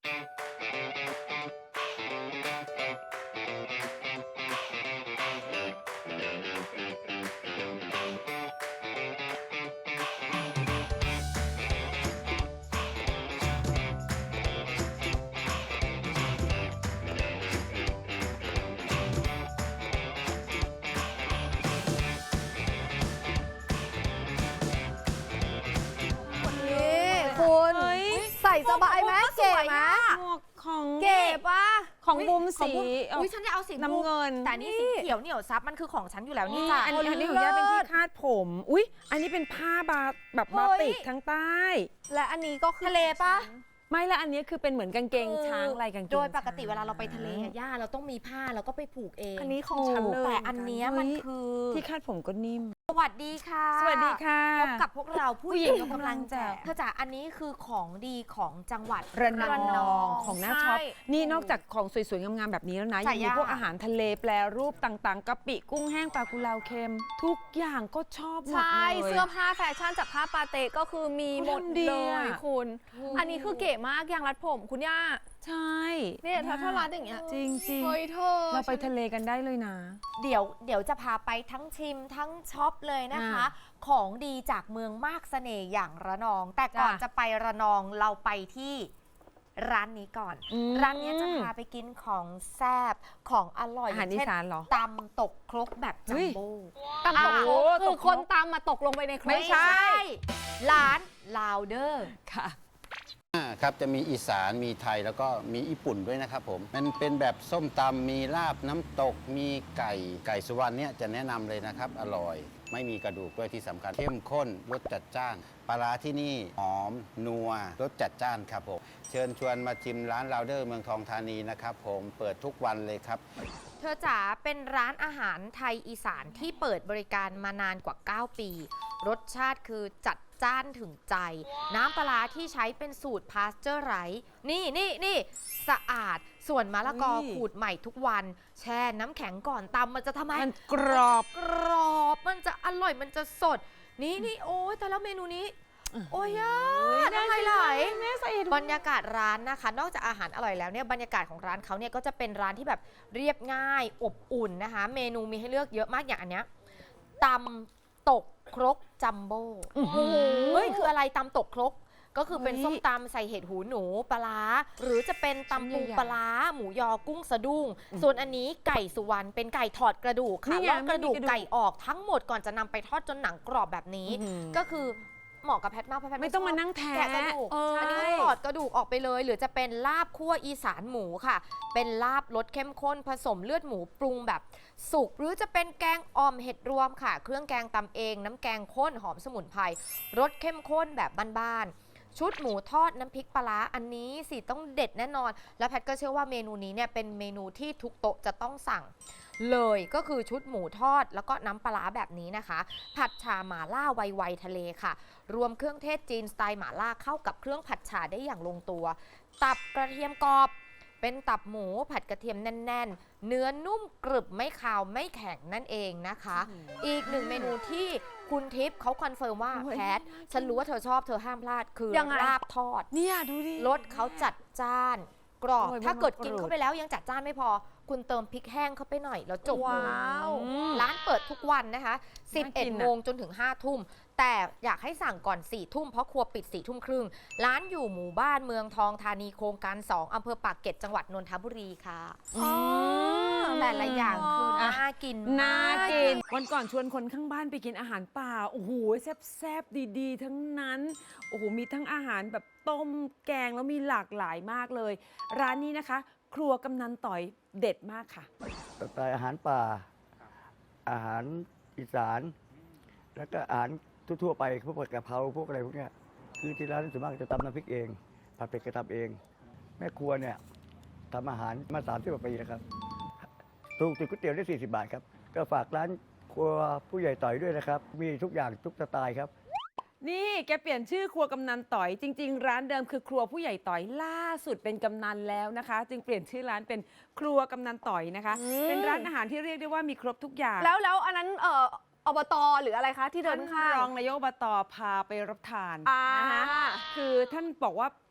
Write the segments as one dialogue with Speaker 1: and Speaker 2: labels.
Speaker 1: คุณใส่สบายไหมเก๋ไหม
Speaker 2: หมวกของ
Speaker 1: เก๋ปะ
Speaker 2: ของบุมสี
Speaker 3: อุ้ยฉันจะเอาสี
Speaker 2: น้ำเงิน
Speaker 3: แต่นี่สีเขียวเหนียวซับมันคือของฉันอยู่แล้วนี่จ้ะ
Speaker 2: อันนี้ของย่าเป็นที่คาดผมอุ๊ยอันนี้เป็นผ้าแบบบาติกทั้งใต้
Speaker 1: และอันนี้ก็คือ
Speaker 3: ทะเลปะ
Speaker 2: ไม่ละอันนี้คือเป็นเหมือนกางเกงช้างลายกางเกง
Speaker 3: โดยปกติ
Speaker 2: ช้ง
Speaker 3: เวลาเราไปทะเลอะย่าเราต้องมีผ้าแล้วก็ไปผูกเอง
Speaker 1: อันนี้ของฉันเลย
Speaker 3: แต่อันเนี้ยมันคือ
Speaker 2: ที่คาดผมก็นิ่ม
Speaker 3: สวัสดีค่ะ
Speaker 2: สวัสดีค่ะ
Speaker 3: พบกับพวกเราผู้หญิงยกกำลังแจก
Speaker 2: แจก
Speaker 3: เธอจ๋าอันนี้คือของดีของจังหวัด
Speaker 2: ระนองของน่าช็อป
Speaker 1: ใช่
Speaker 2: นี่นอกจากของสวยๆ งามๆ แบบนี้แล้วนะ
Speaker 3: จ่า
Speaker 2: ยังมี
Speaker 3: ย่า
Speaker 2: พวกอาหารทะเลแปรรูปต่างๆกะปิกุ้งแห้งปลากุเลาเค็ม ทุกอย่างก็ชอบหมด
Speaker 1: ใช่
Speaker 2: เลย
Speaker 1: เสื้อผ้าแฟชั่นจากผ้าปาเตะก็คือมีหมด
Speaker 2: เขาทำดี
Speaker 1: เล
Speaker 2: อะ
Speaker 1: ยคุณ อันนี้คือเก๋มากยางรัดผมคุณย่า
Speaker 2: ใช่
Speaker 1: เนี่ยถ้ารัดอย่างเงี้ย
Speaker 2: จริง
Speaker 1: เฮ้ยเธอ
Speaker 2: ๆ เราไปทะเลกันได้เลยนะ
Speaker 3: เดี๋ยวจะพาไปทั้งชิมทั้งช็อปเลยนะคะ
Speaker 2: อ่า
Speaker 3: ของดีจากเมืองมากเสน่ห์อย่างระนอง แต่ก่อน
Speaker 2: จ้ะ
Speaker 3: จะไประนองเราไปที่ร้านนี้ก่อน ร้านนี้จะพาไปกินของแซ่บของอร่อย
Speaker 2: อาหารอีสานเหรอ
Speaker 3: ตำตกครกแบบจัมโบ้
Speaker 1: ตำตก
Speaker 2: โอ้
Speaker 1: คื
Speaker 2: ต
Speaker 1: อก
Speaker 2: ครก
Speaker 1: คนตามมาตกลงไปในครก
Speaker 2: ไม่ใช่
Speaker 3: ร้านลาวเดอร์
Speaker 2: ค่ะ
Speaker 4: ครับจะมีอีสานมีไทยแล้วก็มีญี่ปุ่นด้วยนะครับผมมันเป็นแบบส้มตำมีลาบน้ำตกมีไก่สุวรรณเนี่ยจะแนะนำเลยนะครับอร่อย ไม่มีกระดูกด้วยที่สำคัญเข้มข้นรสจัดจ้านปลาร้าที่นี่หอมนัวรสจัดจ้านครับผมเชิญชวนมาชิมร้านลาวเดอร์เมืองทองธานีนะครับผมเปิดทุกวันเลยครับ
Speaker 3: เธอจ๋าเป็นร้านอาหารไทยอีสานที่เปิดบริการมานานกว่า 9 ปี รสชาติคือจัดจ้านถึงใจ น้ำปลาร้าที่ใช้เป็นสูตรพาสเจอร์ไรส์นี่สะอาดส่วนมะละกอ
Speaker 2: เฮ้ย
Speaker 3: ขูดใหม่ทุกวัน แช่น้ำแข็งก่อนตำมันจะทำไม
Speaker 2: มันกรอบ
Speaker 3: กรอบมันจะอร่อยมันจะสด นี่โอ้ยแต่แล้วเมนูนี้ โอ้ยยน้ำลายไหล
Speaker 2: แม่ใส่เห็ด
Speaker 3: บรรยากาศร้านนะคะ นอกจากอาหารอร่อยแล้วเนี่ยบรรยากาศของร้านเขาเนี่ยก็จะเป็นร้านที่แบบเรียบง่ายอบอุ่นนะคะ เมนูมีให้เลือกเยอะมากอย่างอันเนี้ยตำตกครกจัมโบ้เฮ้ยคืออะไรตำตกครกก็คือเป็น
Speaker 2: เฮ้ย
Speaker 3: ส้มตำใส่เห็ดหูหนูปลาร้าหรือจะเป็นตำปูปลาร้าหมูยอกุ้งสะดุ้งส่วนอันนี้ไก่สุวรรณเป็นไก่ถอดกระดูกค่ะ
Speaker 2: นี่ไง
Speaker 3: ลอกกระดูก
Speaker 2: ไม่มีกระดูก
Speaker 3: ไก่ออกทั้งหมดก่อนจะนำไปทอดจนหนังกรอบแบบนี้ ก็คือเหมาะกับแพทมากเพราะแพท
Speaker 2: ไม่ต้อง
Speaker 3: ชบ
Speaker 2: มานั่งแทะ
Speaker 3: แกะกระดูก อันนี้ก็ถอดกระดูกออกไปเลย หรือจะเป็นลาบคั่วอีสานหมูค่ะ เป็นลาบรสเข้มข้นผสมเลือดหมูปรุงแบบสุก หรือจะเป็นแกงอ่อมเห็ดรวมค่ะ เครื่องแกงตำเอง น้ำแกงข้นหอมสมุนไพรรสเข้มข้นแบบบ้านๆชุดหมูทอดน้ำพริกปลาร้าอันนี้สิต้องเด็ดแน่นอน แล้วแพทก็เชื่อว่าเมนูนี้เนี่ยเป็นเมนูที่ทุกโต๊ะจะต้องสั่ง เลยก็คือชุดหมูทอดแล้วก็น้ำปลาร้าแบบนี้นะคะ ผัดชาหม่าล่าไวๆทะเลค่ะ รวมเครื่องเทศจีนสไตล์หม่าล่าเข้ากับเครื่องผัดชาได้อย่างลงตัว ตับกระเทียมกรอบ เป็นตับหมูผัดกระเทียมแน่นๆ เนื้อนุ่มกรึบไม่คาวไม่แข็งนั่นเองนะคะ อีกหนึ่งเมนูที่คุณทิพย์เขาคอนเฟิร์มว่าแพทฉันรู้ว่าเธอชอบเธอห้ามพลาดคือ
Speaker 1: ยังไง
Speaker 3: ลาบทอด
Speaker 2: เนี่ยดูดิ
Speaker 3: รสเขาจัดจ้านกรอบ
Speaker 2: โอ้ย
Speaker 3: ถ้าเกิด
Speaker 2: มันกรูด
Speaker 3: กินเข้าไปแล้วยังจัดจ้านไม่พอ คุณเติมพริกแห้งเข้าไปหน่อยแล้วจบเลย
Speaker 1: ว้าว
Speaker 3: ร้านเปิดทุกวันนะคะ
Speaker 2: น่ากิน
Speaker 3: 11
Speaker 2: อะ
Speaker 3: โมงจนถึง 5 ทุ่ม แต่อยากให้สั่งก่อน 4 ทุ่มเพราะครัวปิด 4 ทุ่มครึ่ง ร้านอยู่หมู่บ้านเมืองทองธานีโครงการ 2 อำเภอปากเกร็ดจังหวัดนนทบุรีค่ะ แต่ละอย่างคือน่ากินม
Speaker 2: น่ากิน วันก่อนชวนคนข้างบ้านไปกินอาหารป่า โอ้โห แซ่บๆ ดีๆ ทั้งนั้น โอ้โห มีทั้งอาหารแบบต้มแกงแล้วมีหลากหลายมากเลย ร้านนี้นะคะ ครัวกำนันต่อยเด็ดมากค่ะ
Speaker 5: สไตล์อาหารป่า อาหารอีสาน แล้วก็อาหารทั่วๆไปพวกผัดกะเพราพวกอะไรพวกเนี้ยคือที่ร้านส่วนมากจะตำน้ำพริกเองผัดเผ็ดก็ทำเอง แม่ครัวเนี่ยทำอาหารมา30 กว่าปีแล้วครับถูกติดก๋วยเตี๋ยวได้40 บาทครับ ก็ฝากร้านครัวผู้ใหญ่ต่อยด้วยนะครับ มีทุกอย่างทุกสไตล์ครับ
Speaker 2: นี่แกเปลี่ยนชื่อครัวกำนันต่อย จริง ๆ ร้านเดิมคือครัวผู้ใหญ่ต่อยล่าสุดเป็นกำนันแล้วนะคะ จึงเปลี่ยนชื่อร้านเป็นครัวกำนันต่อยนะคะ เป็นร้านอาหารที่เรียกได้ว่ามีครบทุกอย่าง
Speaker 1: แล้วอันนั้นอบตหรืออะไรคะที่เดิ
Speaker 2: ท่าน น
Speaker 1: ข้าง
Speaker 2: รองนายกอบตพาไปรับทาน
Speaker 1: อ่า
Speaker 2: นะคะคือท่านบอกว่า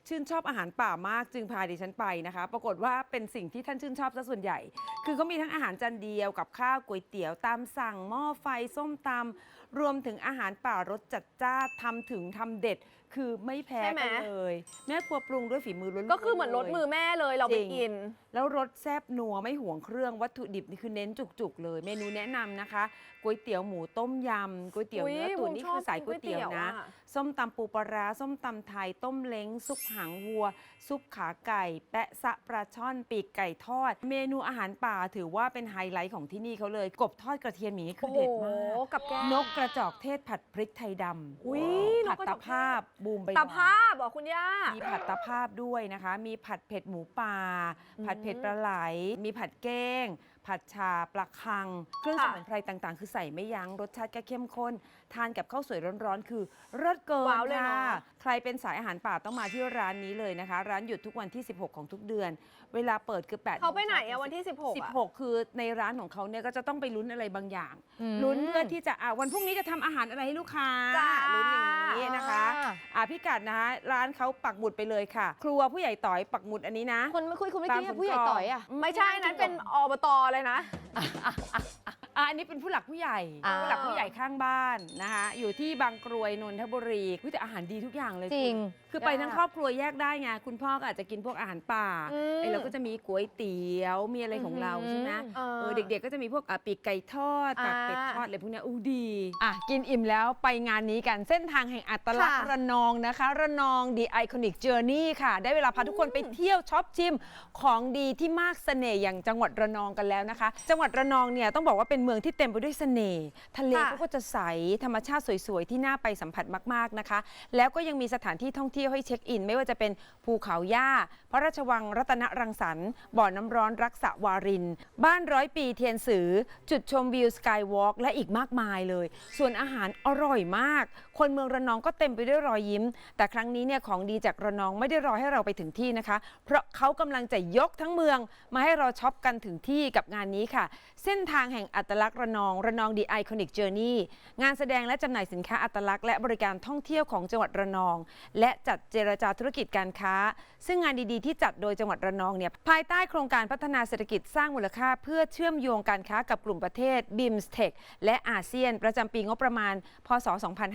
Speaker 2: ชื่นชอบอาหารป่ามากจึงพาดิฉันไปนะคะ ปรากฏว่าเป็นสิ่งที่ท่านชื่นชอบซะส่วนใหญ่ คือเขามีทั้งอาหารจานเดียวกับข้าวก๋วยเตี๋ยวตามสั่งหม้อไฟส้มตำรวมถึงอาหารป่ารสจัดจ้านทำถึงทำเด็ด คือไม่แพ้
Speaker 1: ใช่ไหม
Speaker 2: กันเลยแม่ครัวปรุงด้วยฝีมือล้วนๆ
Speaker 1: ก็คือเหมือนรสมือแม่เลยเราไป
Speaker 2: จริง
Speaker 1: กิน
Speaker 2: แล้วรสแซ่บนัวไม่ห่วงเครื่องวัตถุดิบนี่คือเน้นจุกๆเลย เมนูแนะนำนะคะก๋วยเตี๋ยวหมูต้มยำก๋วยเตี๋ยว
Speaker 1: อุ๊ย
Speaker 2: เนื้อตุ๋น
Speaker 1: ผม
Speaker 2: นี่
Speaker 1: ชอบ
Speaker 2: คือสายก๋วยเตี๋ยวนะ
Speaker 1: ก๋วยเตี๋ยวอะ
Speaker 2: ส้มตำปูปลาร้าส้มตำไทยต้มเล้งซุปหางวัว ซุปขาไก่ แปะซะปลาช่อนปีกไก่ทอด เมนูอาหารป่าถือว่าเป็นไฮไลท์ของที่นี่เขาเลย กบทอดกระเทียมหมีคือเด็ดมาก
Speaker 1: กับแก้ม
Speaker 2: นกกระจอกเทศผัดพริกไทยด
Speaker 1: อุ๊ย
Speaker 2: ำ
Speaker 1: น
Speaker 2: ผั
Speaker 1: ก
Speaker 2: ด
Speaker 1: กระจ
Speaker 2: ตะ
Speaker 1: อกเทศ
Speaker 2: ภาพบูมใบ
Speaker 1: ตา
Speaker 2: หว
Speaker 1: ภาพเหรอคุณย่า
Speaker 2: มีผัดตะภาพด้วยนะคะ มีผัดเผ็ดหมูป่า ผัดเผ็ดปลาไหล มีผัดเก้ง ผัดชาปลาคัง เครื่องส
Speaker 1: ค่ะ
Speaker 2: มุนไพรต่างๆ คือใส่ไม่ยั้ง รสชาติก็เข้มข้น ทานกับข้าวสวยร้อนๆ คือเลิศเกิน
Speaker 1: ว้าวเลย
Speaker 2: ค่ะ
Speaker 1: เนาะ
Speaker 2: ใครเป็นสายอาหารป่าต้องมาที่ร้านนี้เลยนะคะ ร้านหยุดทุกวันที่ 16 ของทุกเดือน เวลาเปิดคือ8
Speaker 1: เขาไปไหนอะวันที่ 16อะ
Speaker 2: 16 คือในร้านของเขาเนี่ยก็จะต้องไปลุ้นอะไรบางอย่าง
Speaker 3: อืม
Speaker 2: ลุ้นเพื่อที่จะวันพรุ่งนี้จะทำอาหารอะไรให้ลูกค้า
Speaker 1: จ้า
Speaker 2: ลุ้นอย่างนี้นะคะพิกัดนะคะร้านเขาปักหมุดไปเลยค่ะ ครัวผู้ใหญ่ต่อยปักหมุดอันนี้นะ
Speaker 3: คนไม่คุยคุณไม่
Speaker 2: ตาม
Speaker 3: กี้
Speaker 2: ผม
Speaker 3: ผู้ใหญ่
Speaker 2: ก่อน
Speaker 3: ต่อยอ่ะ
Speaker 1: ไม่ใช่นั้นเป็นอบตเลยนะ
Speaker 2: อันนี้เป็นผู้หลักผู้ใหญ่
Speaker 3: อ่า
Speaker 2: ผู้หลักผู้ใหญ่ข้างบ้านนะคะอยู่ที่บางกรวยนนทบุรีแต่อาหารดีทุกอย่างเลย
Speaker 3: จริง
Speaker 2: คือไปทั้งครอบครัวแยกได้ไงคุณพ่อก็อาจจะกินพวกอาหารป่า
Speaker 1: อืม
Speaker 2: ไอ้เราก็จะมีก๋วยเตี๋ยวมีอะไรของเราใช่ไหมเด็กๆก็จะมีพวกปีกไก่ทอดปากเป็ดทอดอะไรพวกเนี้ยอู้ดีกินอิ่มแล้วไปงานนี้กันเส้นทางแห่งอัตลักษณ์
Speaker 1: ค่ะ
Speaker 2: ระนองนะคะระนอง The Iconic Journey ค่ะ ได้เวลาพาทุกคนไปเที่ยวช็อปชิมของดีที่มากเสน่ห์อย่างจังหวัดระนองกันแล้วนะคะ จังหวัดระนองเนี่ยต้องบอกว่าเป็นเมืองที่เต็มไปด้วยเสน่ห์ทะเล
Speaker 1: ค่ะ
Speaker 2: เขาก็จะใสธรรมชาติสวยๆที่น่าไปสัมผัสมากๆนะคะ แล้วก็ยังมีสถานที่ท่องเที่ยวให้เช็คอิน ไม่ว่าจะเป็นภูเขาย่าพระราชวังรัตนรังสรรค์บ่อน้ำร้อนรักษาวาริน บ้านร้อยปีเทียนสือ จุดชมวิวสกายวอล์กและอีกมากมายเลย ส่วนอาหารอร่อยมาก คนเมืองระนองก็เต็มไปด้วยรอยยิ้ม แต่ครั้งนี้เนี่ยของดีจากระนองไม่ได้รอให้เราไปถึงที่นะคะ เพราะเขากำลังจะยกทั้งเมืองมาให้เราช็อปกันถึงที่กับงานนี้ค่ะ เส้นทางแห่งอัตลักษณ์ระนอง The Iconic Journey งานแสดงและจำหน่ายสินค้าอัตลักษณ์และบริการท่องเที่ยวของจังหวัดระนอง และจัดเจรจาธุรกิจการค้า ซึ่งงานดีๆที่จัดโดยจังหวัดระนองเนี่ยภายใต้โครงการพัฒนาเศรษฐกิจสร้างมูลค่าเพื่อเชื่อมโยงการค้ากับกลุ่มประเทศ BIMSTEC และอาเซียน ประจำปีงบประมาณ พศ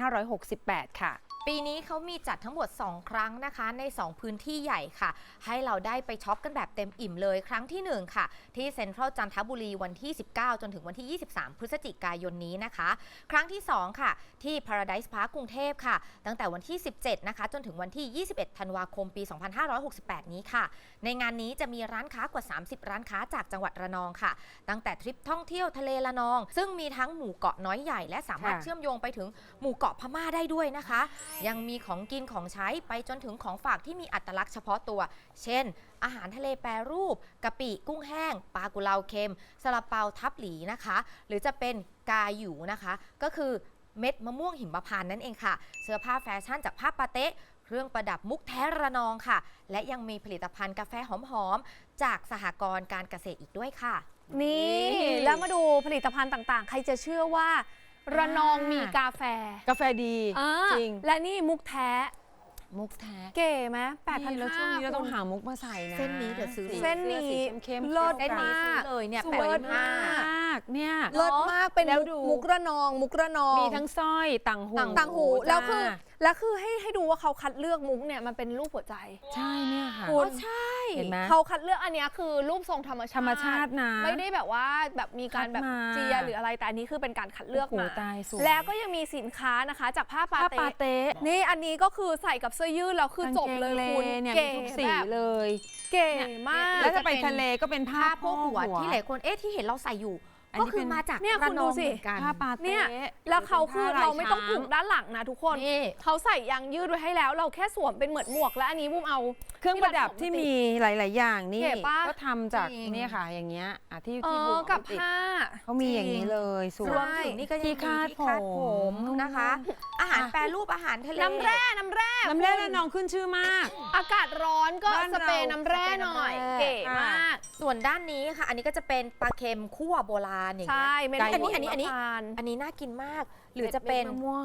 Speaker 2: 2568 ค่ะ
Speaker 3: ปีนี้เขามีจัดทั้งหมด 2 ครั้งนะคะใน 2 พื้นที่ใหญ่ค่ะ ให้เราได้ไปช็อปกันแบบเต็มอิ่มเลย ครั้งที่ 1 ค่ะ ที่เซ็นทรัลจันทบุรีวันที่ 19 จนถึงวันที่ 23 พฤศจิกายนนี้นะคะ ครั้งที่ 2 ค่ะ ที่ Paradise Park กรุงเทพค่ะ ตั้งแต่วันที่ 17 นะคะ จนถึงวันที่ 21 ธันวาคม ปี 2568 นี้ค่ะ ในงานนี้จะมีร้านค้ากว่า 30 ร้านค้าจากจังหวัดระนองค่ะ ตั้งแต่ทริปท่องเที่ยวทะเลระนอง ซึ่งมีทั้งหมู่เกาะน้อยใหญ่และสามารถ
Speaker 2: ค่ะ
Speaker 3: เชื่อมโยงไปถึงหมู่เกาะพม่าได้ด้วยนะคะ ยังมีของกินของใช้ไปจนถึงของฝากที่มีอัตลักษณ์เฉพาะตัว เช่น อาหารทะเลแปรรูปกะปิกุ้งแห้งปลากุเลาเค็มซาลาเปาทับหลีนะคะ หรือจะเป็นกาหยูนะคะ ก็คือเม็ดมะม่วงหิมพานต์นั่นเองค่ะ เสื้อผ้าแฟชั่นจากผ้าปาเต๊ะเครื่องประดับมุกแท้ระนองค่ะ และยังมีผลิตภัณฑ์กาแฟหอมๆจากสหกรณ์การเกษตรอีกด้วยค่ะ
Speaker 1: นี่ แล้วมาดูผลิตภัณฑ์ต่างๆ ใครจะเชื่อว่า ระนองมีกาแฟ
Speaker 2: กาแฟดี
Speaker 1: อ่า
Speaker 2: จริง
Speaker 1: และนี่มุกแท้
Speaker 2: มุกแท้
Speaker 1: เก๋ไหม
Speaker 2: นี่แล้วช่วงนี้เราต้อง
Speaker 1: 8,500
Speaker 2: หามุกมาใส่นะ
Speaker 3: เส้นนี้เดี๋ยวซื้อ
Speaker 1: เส้นนี้
Speaker 2: สีเข้มๆ
Speaker 1: เลิศ
Speaker 3: เส้นนี้ซื้อ
Speaker 1: มาก
Speaker 3: เลยเนี่ย
Speaker 2: สวย
Speaker 3: 85
Speaker 2: มากเนี่ย
Speaker 1: เลิศมากเป็น
Speaker 2: แล้วดู
Speaker 1: มุกระนอง มุกระนอง
Speaker 2: มีทั้งสร้อยต่างหู
Speaker 1: ต่างหู
Speaker 2: จ้า
Speaker 1: แล้วคือให้ดูว่าเขาคัดเลือกมุกเนี่ยมันเป็นรูปหัวใจ
Speaker 2: ใช่เนี่ยค่ะ
Speaker 1: คุณ
Speaker 3: ใช่
Speaker 2: เห็นไหม
Speaker 1: เขาคัดเลือกอันเนี้ยคือรูปทรงธรรมชาติ
Speaker 2: ธรรมชาตินะ
Speaker 1: ไม่ได้แบบว่าแบบมีการแบบ
Speaker 2: คัดมา
Speaker 1: เจียหรืออะไรแต่อันนี้คือเป็นการคัดเลือก
Speaker 2: โอ้โห
Speaker 1: มา
Speaker 2: ตายสวย
Speaker 1: แล้วก็ยังมีสินค้านะคะ จากผ้าปา
Speaker 2: ผ้า
Speaker 1: เต
Speaker 2: ปาเต๊ะ
Speaker 1: นี่อันนี้ก็คือใส่กับเสื้อยืดแล้วคือจบเลยคุณ
Speaker 2: เนี่ย
Speaker 1: เก๋
Speaker 2: มีทุกสี
Speaker 1: แบบ
Speaker 2: เลย
Speaker 1: เก๋มาก
Speaker 2: แล้วถ้าไปทะเลก็เป็นผ้า
Speaker 3: ผ้าโพกหัวที่หลายคนที่เห็นเราใส่อยู่
Speaker 2: อัน
Speaker 3: ก็
Speaker 2: นี้
Speaker 3: คื
Speaker 2: เป็
Speaker 3: อน มาจาก
Speaker 1: เนี่ย
Speaker 3: ระ
Speaker 1: คุณ
Speaker 3: น
Speaker 1: ดู
Speaker 3: อง
Speaker 1: สิ
Speaker 3: เหมือนกัน
Speaker 2: ผ้าปา
Speaker 1: เนี่
Speaker 2: เต๊ะ
Speaker 1: ยแล้วเขาคือ
Speaker 2: ป็นผ้
Speaker 1: เราไม่ต้อง
Speaker 2: ลย
Speaker 1: ผูกด้านหลังนะทุกคน
Speaker 3: นี่
Speaker 1: เขาใส่ยางยืดไว้ให้แล้ว เราแค่สวมเป็นเหมือนหมวกและอันนี้บุ้มเอา
Speaker 2: เครื่องประดับที่มีหลาย ๆ อย่างนี่
Speaker 1: เก๋ปะ
Speaker 2: ก็ทำจาก
Speaker 3: จริง
Speaker 2: เนี่ยค่ะ อย่างเงี้ยที่
Speaker 1: เอ
Speaker 2: ที่บู
Speaker 1: อ
Speaker 2: ม
Speaker 1: กับ
Speaker 2: เอาติด
Speaker 1: ผ้า
Speaker 2: เขามีอย่างนี้เลยสว
Speaker 3: รวย มถึงนี่ก็ยังมี
Speaker 2: ที่คาด
Speaker 3: ที่คาดผม
Speaker 2: ผม
Speaker 3: นะคะ อาหารแปรรูปอาหารทะเล
Speaker 1: น้ำแร่
Speaker 2: น้ำแร่ระนองขึ้นชื่อมาก
Speaker 1: อากาศร้อนก็
Speaker 2: บ้าน
Speaker 1: ส
Speaker 2: เรา
Speaker 1: เปรย์น้ำแร่หน่อย
Speaker 3: สเปรย์น้ำแร่
Speaker 1: เก๋มาก
Speaker 3: ส่วนด้านนี้ค่ะ อันนี้ก็จะเป็นปลาเค็มคั่วโบราณอย่าง
Speaker 1: ใช่
Speaker 3: เงี้ย
Speaker 1: เมนู
Speaker 3: อันนี้
Speaker 1: ทาน
Speaker 3: อันนี้น่ากินมาก หรือจะเป็น
Speaker 2: มะม่วง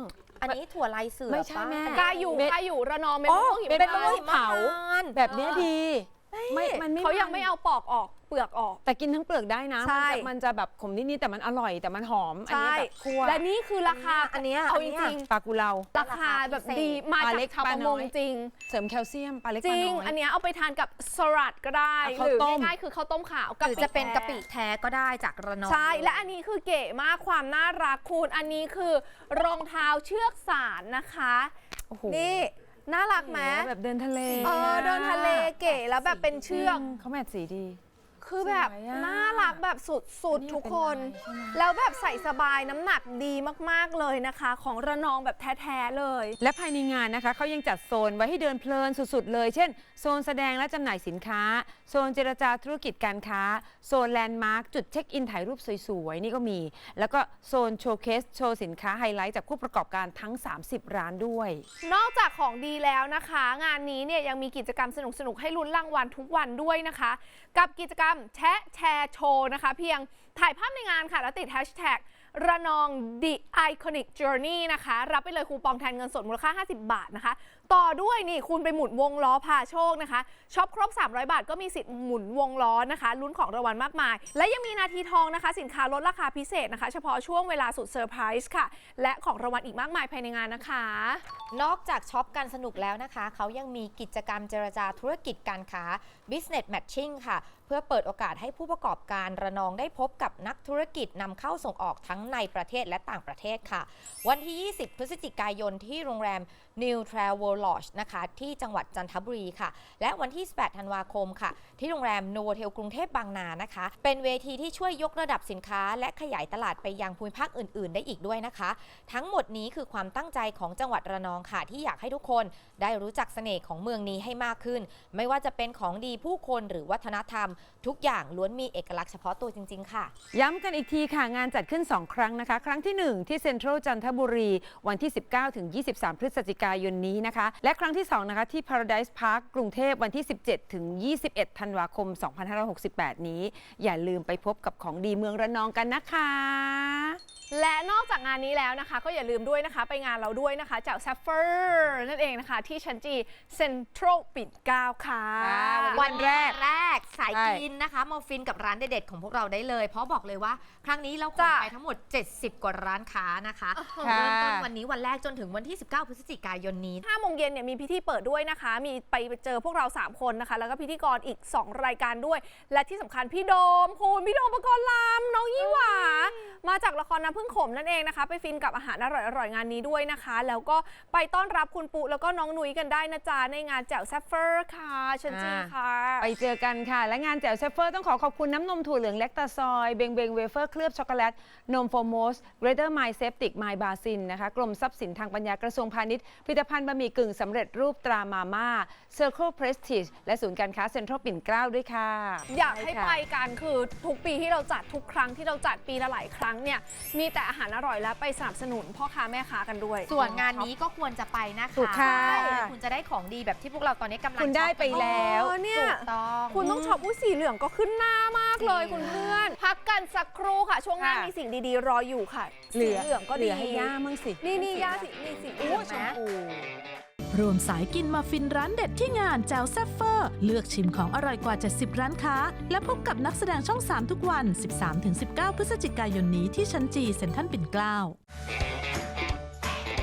Speaker 3: อันนี้ถั่วลายเสือ
Speaker 2: ไม่ใช่แม่
Speaker 1: กาอยู่ระนองเป็น
Speaker 2: อ๋อ
Speaker 1: มะม่วงหิม
Speaker 2: เป็นมะ
Speaker 1: พาน
Speaker 2: ม่ว
Speaker 1: ต์
Speaker 2: งเผา แบบเนี้ยดี มันไม่
Speaker 1: เขายังไม่เอาปอกออกเปลือกออก
Speaker 2: แต่กินทั้งเปลือกได้นะ
Speaker 1: ใช่
Speaker 2: มันจะแบบขมนิดๆแต่มันอร่อยแต่มันหอม อัน
Speaker 1: ใช่
Speaker 2: นี้แบบคั่ว
Speaker 1: และนี่คือราคา
Speaker 3: อันเนี้ย
Speaker 1: เอา
Speaker 3: อัน
Speaker 1: จ
Speaker 3: เนี้ย
Speaker 1: ริง
Speaker 2: ปลากุเลา
Speaker 1: ๆราคาแบบดีมา
Speaker 2: ปลา
Speaker 1: จาก
Speaker 2: เล็ก
Speaker 1: ชาว
Speaker 2: ป
Speaker 1: ป
Speaker 2: ลา
Speaker 1: ระ
Speaker 2: น้
Speaker 1: ม
Speaker 2: อง ย
Speaker 1: จริง
Speaker 2: เสริมแคลเซียมปลาเล็ก
Speaker 1: จ
Speaker 2: ปลา
Speaker 1: ริง
Speaker 2: น้อย
Speaker 1: อันเนี้ยเอาไปทานกับสลัดก็ได้
Speaker 2: ข้าว
Speaker 1: หรือ
Speaker 2: ต้ม
Speaker 1: ง่ายๆคือข้าวต้มขาว
Speaker 3: หรือจะเป็นกะปิ
Speaker 1: แท้
Speaker 3: แท้ก็ได้จากระนอง
Speaker 1: ใช่ และอันนี้คือเก๋มากความน่ารักคุณอันนี้คือรองเท้าเชือกสารนะคะ
Speaker 2: โอ้โห
Speaker 1: นี่น่ารักไหม
Speaker 2: แบบเดินทะเล
Speaker 1: เดินทะเลเก๋แล้วแบบเป็นเชือก
Speaker 2: เขาแมทสีดี
Speaker 1: คือแบบ
Speaker 2: สวยอะ
Speaker 1: น่ารักแบบสุด
Speaker 2: นี่
Speaker 1: ๆทุก
Speaker 2: เป็น
Speaker 1: คน
Speaker 2: ลายใช่ไหม
Speaker 1: แล้วแบบใส่สบายน้ำหนักดีมากๆเลยนะคะ ของระนองแบบแท้ๆเลย
Speaker 2: และภายในงานนะคะเขายังจัดโซนไว้ให้เดินเพลินสุดๆเลย เช่น โซนแสดงและจำหน่ายสินค้า โซนเจรจาธุรกิจการค้า โซนแลนด์มาร์คจุดเช็คอินถ่ายรูปสวยๆ นี่ก็มี แล้วก็โซนโชว์เคสโชว์สินค้าไฮไลท์จากผู้ประกอบการทั้ง 30 ร้านด้วย
Speaker 1: นอกจากของดีแล้วนะคะ งานนี้เนี่ยยังมีกิจกรรมสนุกๆ ให้ลุ้นรางวัลทุกวันด้วยนะคะ กับกิจกรรมแชะแชร์โชว์นะคะ เพียงถ่ายภาพในงานค่ะ แล้วติดแฮชแท็กระนอง The Iconic Journey นะคะ รับไปเลยคูปองแทนเงินสดมูลค่า 50 บาทนะคะ ต่อด้วยนี่คุณไปหมุนวงล้อพาโชคนะคะช็อปครบ 300 บาทก็มีสิทธิ์หมุนวงล้อนะคะลุ้นของรางวัลมากมาย และยังมีนาทีทองนะคะ สินค้าลดราคาพิเศษนะคะ เฉพาะช่วงเวลาสุดเซอร์ไพรส์ค่ะ และของรางวัลอีกมากมายภายในงานนะคะ
Speaker 3: นอกจากช็อปกันสนุกแล้วนะคะ เขายังมีกิจกรรมเจรจาธุรกิจการค้า Business Matching ค่ะ เพื่อเปิดโอกาสให้ผู้ประกอบการระนองได้พบกับนักธุรกิจนำเข้าส่งออกทั้งในประเทศและต่างประเทศค่ะ วันที่ 20 พฤศจิกายนที่โรงแรม New Travel Lodge นะคะที่จังหวัดจันทบุรีค่ะ และวันที่ 18 ธันวาคมค่ะ ที่โรงแรม Novotel กรุงเทพบางนานะคะ เป็นเวทีที่ช่วยยกระดับสินค้า และขยายตลาดไปยังภูมิภาคอื่น ๆ ได้อีกด้วยนะคะ ทั้งหมดนี้คือความตั้งใจของจังหวัดระนองค่ะ ที่อยากให้ทุกคนได้รู้จักเสน่ห์ของเมืองนี้ให้มากขึ้น ไม่ว่าจะเป็นของดีผู้คนหรือวัฒนธรรม ทุกอย่างล้วนมีเอกลักษณ์เฉพาะตัวจริง ๆ ค่ะ
Speaker 2: ย้ำกันอีกทีค่ะ งานจัดขึ้น 2 ครั้งนะคะ ครั้งที่ 1 ที่เซ็นทรัลจันทบุรี วันที่ 19 ถึง 23 พฤศจิกายนนี้นะคะ และครั้งที่ 2 นะคะที่ Paradise Park กรุงเทพวันที่ 17 ถึง 21 ธันวาคม 2568 นี้ อย่าลืมไปพบกับของดีเมืองระนองกันนะคะ
Speaker 1: และนอกจากงานนี้แล้วนะคะ ก็อย่าลืมด้วยนะคะ ไปงานเราด้วยนะคะจาก Sapphire นั่นเองนะคะ ที่ชั้นจีเซ็นทรัลปิ่นเกล้าค่ะ
Speaker 3: วันแรกสาย
Speaker 2: ใช่
Speaker 3: กินนะคะมาฟินกับร้านเด็ดๆของพวกเราได้เลย เพราะบอกเลยว่าครั้งนี้เราขน
Speaker 1: จ้ะ
Speaker 3: ไปทั้งหมด 70 กว่าร้านค้านะคะ
Speaker 2: ค่ะ
Speaker 3: เริ่มต้นวันนี้วันแรกจนถึงวันที่ 19 พฤศจิกายนนี้
Speaker 1: 5 โมงเย็นเนี่ยมีพิธีเปิดด้วยนะคะ มีไปเจอพวกเรา 3 คนนะคะ แล้วก็พิธีกรอีก 2 รายการด้วย และที่สำคัญพี่โดมคุณพี่โดมปกรณ์ลำน้องยี่หวา มาจากละครน้ำพึ่งขมนั่นเองนะคะ ไปฟินกับอาหารอร่อยๆงานนี้ด้วยนะคะ แล้วก็ไปต้อนรับคุณปุ๊แล้วก็น้องนุ้ยกันได้นะจ๊ะในงานแจ่วแซฟเฟอร์ค่ะเชันจีค่ะ
Speaker 2: ไปเจอกันค่ะ และงานแจ่วเซฟเฟอร์ต้องขอบคุณน้ำนมถั่วเหลืองแลคตาซอยเบงเบงเวเฟอร์เคลือบช็อกโกแลตนมโฟโมสเกรเตอร์ไมเซปติกไมบาซินนะคะกรมทรัพย์สินทางปัญญากระทรวงพาณิชย์ผลิตภัณฑ์บะหมี่กึ่งสำเร็จรูปตรามาม่า Circle Prestige และศูนย์การค้าเซ็นทรัลปิ่นเกล้าด้วยค่ะ
Speaker 1: อยากให้ไปกันคือทุกปีที่เราจัดทุกครั้งที่เราจัดปีละหลายครั้งเนี่ยมีแต่อาหารอร่อยและไปสนับสนุนพ่อค้าแม่ค้ากันด้วย
Speaker 3: ส่วนงานนี้ก็ควรจะไปนะคะ
Speaker 2: ถูกค่ะ
Speaker 3: คุณจะได้ของดีแบบที่พวกเราตอนนี้กำลัง
Speaker 2: คุณได้ไปแล้ว
Speaker 1: เนี่ย
Speaker 3: ถูกต้อง
Speaker 1: คุณต้องช็อปสีเหลืองก็ขึ้นหน้ามากเลย
Speaker 3: จริง
Speaker 1: คุณเพื่อน พักกันสักครู่ค่ะ ช่วงหน้า
Speaker 2: ค่ะ
Speaker 1: มีสิ่งดีๆ รออยู่ค่ะสีเหลืองก็
Speaker 2: เห
Speaker 1: ดี
Speaker 2: ลือให้ย่ามั่งสิ
Speaker 1: นี่ย่าสีนี่สีเหลือง
Speaker 2: ชม
Speaker 1: นะ
Speaker 2: พู
Speaker 6: รวมสายกินมาฟินร้านเด็ดที่งานแจวแซฟเฟอร์ เลือกชิมของอร่อยกว่า 70 ร้านค้า และพบกับนักแสดงช่อง 3 ทุกวัน 13-19 พฤศจิกายนนี้ที่ชั้นจีเซ็นทรัลปิ่นเกล้า